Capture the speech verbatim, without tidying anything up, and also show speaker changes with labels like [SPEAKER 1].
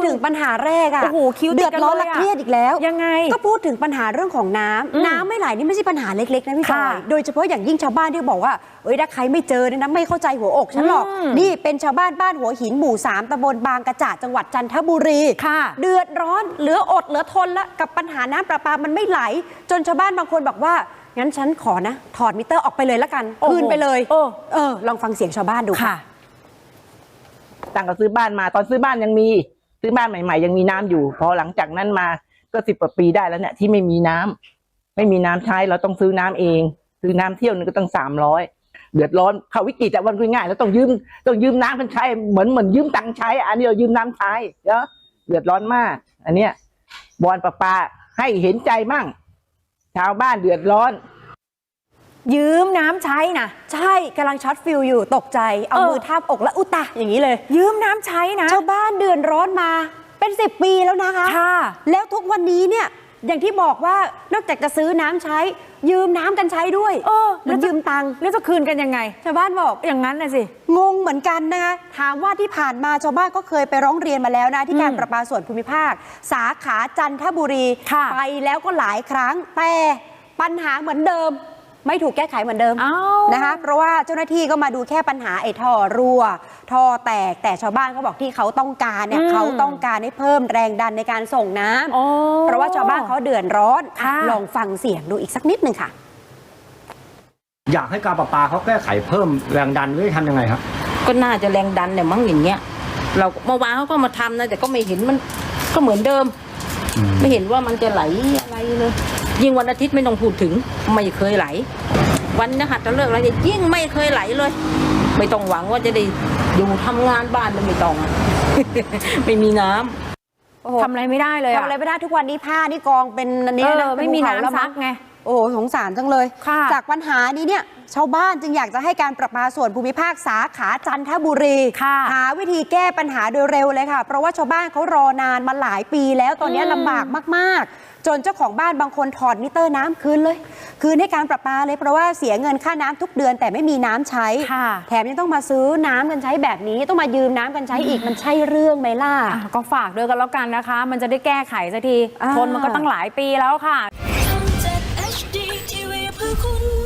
[SPEAKER 1] ถึงปัญหาแรกอะ
[SPEAKER 2] โอ้โหคิวเดือดร้อนและเครียดอีกแล้วยังไงก็พูดถึงปัญหาเรื่องของน้ำน้ำไม่ไหลนี่ไม่ใช่ปัญหาเล็กๆนะพี่จอยโดยเฉพาะอย่างยิ่งชาวบ้านที่บอกว่าเอ้ยถ้าใครไม่เจอเนี่ยนะไม่เข้าใจหัวอกฉันหรอกนี่เป็นชาวบ้านบ้านหัวหินหมู่สามตำบลบางกระจะจังหวัดจันทบุรีเดือดร้อนเหลืออดเหลือทนละกับปัญหาน้ำประปามันไม่ไหลจนชาวบ้านบางคนบอกว่างั้นฉันขอนะถอดมิเตอร์ออกไปเลยละกันคืนไปเลยเออลองฟังเสียงชาวบ้านดูค่ะ
[SPEAKER 3] ตั้งแต่ซื้อบ้านมาตอนซื้อบ้านยังมีซื้อบ้านใหม่ๆยังมีน้ำอยู่พอหลังจากนั้นมาก็สิบกว่าปีได้แล้วเนี่ยที่ไม่มีน้ำไม่มีน้ำใช้เราต้องซื้อน้ำเองซื้อน้ำเที่ยวนึงก็ต้องสามร้อยเดือดร้อนเขาวิกฤตแต่วันง่ายๆแล้วต้องยืมต้องยืมน้ำกันใช้เหมือนเหมือนยืมตังค์ใช้อันนี้เรายืมน้ำใช้เนาะเดือดร้อนมากอันเนี้ยบอนประปาให้เห็นใจมั่งชาวบ้านเดือดร้อน
[SPEAKER 2] ยืมน้ำใช้นะ
[SPEAKER 1] ใช่กำลังช็อตฟิลอยู่ตกใจเอามือทาบอกแล้วอุตะอย่างนี้เลย
[SPEAKER 2] ยืมน้ำใช้นะ
[SPEAKER 1] ชาวบ้านเดือดร้อนมาเป็นสิบปีแล้วนะคะแล้วทุกวันนี้เนี่ยอย่างที่บอกว่านอกจากจะซื้อน้ำใช้ยืมน้ำกันใช้ด้วย
[SPEAKER 2] เออ
[SPEAKER 1] แล้วยืมตังค์
[SPEAKER 2] แล้วจะคืนกันยังไง
[SPEAKER 1] ชาวบ้านบอก
[SPEAKER 2] อย่างนั้นนะสิ
[SPEAKER 1] งงเหมือนกันนะคะถามว่าที่ผ่านมาชาวบ้านก็เคยไปร้องเรียนมาแล้วนะที่การประปาส่วนภูมิภาคสาขาจันทบุรีไปแล้วก็หลายครั้งแต่ปัญหาเหมือนเดิมไม่ถูกแก้ไขเหมือนเดิมนะคะเพราะว่าเจ้าหน้าที่ก็มาดูแค่ปัญหาไอ้ท่อรั่วท่อแตกแต่ชาวบ้านเขาบอกที่เขาต้องการเนี่ยเขาต้องการให้เพิ่มแรงดันในการส่งน้ำเพราะว่าชาวบ้านเขาเดือดร้อนลองฟังเสียงดูอีกสักนิดหนึ่งค่ะ
[SPEAKER 4] อยากให้การประปาเขาแก้ไขเพิ่มแรงดันหรือทำยังไงครับ
[SPEAKER 5] ก็น่าจะแรงดันเนี่ยมั้งอย่างเงี้ยเราเมื่อวานเขาก็มาทำนะแต่ก็ไม่เห็นมันก็เหมือนเดิมไม่เห็นว่ามันจะไหลอะไรเลยยิ่งวันอาทิตย์ไม่ต้องพูดถึงไม่เคยไหลวันนี้หัดจะเลิกอะไรยิ่งไม่เคยไหลเลยไม่ต้องหวังว่าจะได้อยู่ทำงานบ้านมันไม่ต้อง ไม่มีน้
[SPEAKER 2] ำทำอะไรไม่ได้เลย
[SPEAKER 1] ทำอะไรไม่ได้ทุกวันนี้ผ้านี่กองเป็นอันนี้นะ
[SPEAKER 2] ไม่มีน้ำซักไง
[SPEAKER 1] โอ้โหสงสารจังเลยจากปัญหานี้เนี่ยชาวบ้านจึงอยากจะให้การประปาส่วนภูมิภาคสาขาจันทบุรีหาวิธีแก้ปัญหาโดยเร็วเลยค่ะเพราะว่าชาวบ้านเขารอนานมาหลายปีแล้วตอนนี้ลำบากมากๆจนเจ้าของบ้านบางคนถอดมิเตอร์น้ำคืนเลยคืนให้การประปาเลยเพราะว่าเสียเงินค่าน้ำทุกเดือนแต่ไม่มีน้ำใช้แถมยังต้องมาซื้อน้ำกันใช้แบบนี้ต้องมายืมน้ำกันใช้อีกมันใช่เรื่องไหมล่ะ
[SPEAKER 2] ก็ฝากด้วยกันแล้วกันนะคะมันจะได้แก้ไขสักทีทนมันก็ตั้งหลายปีแล้วค่ะ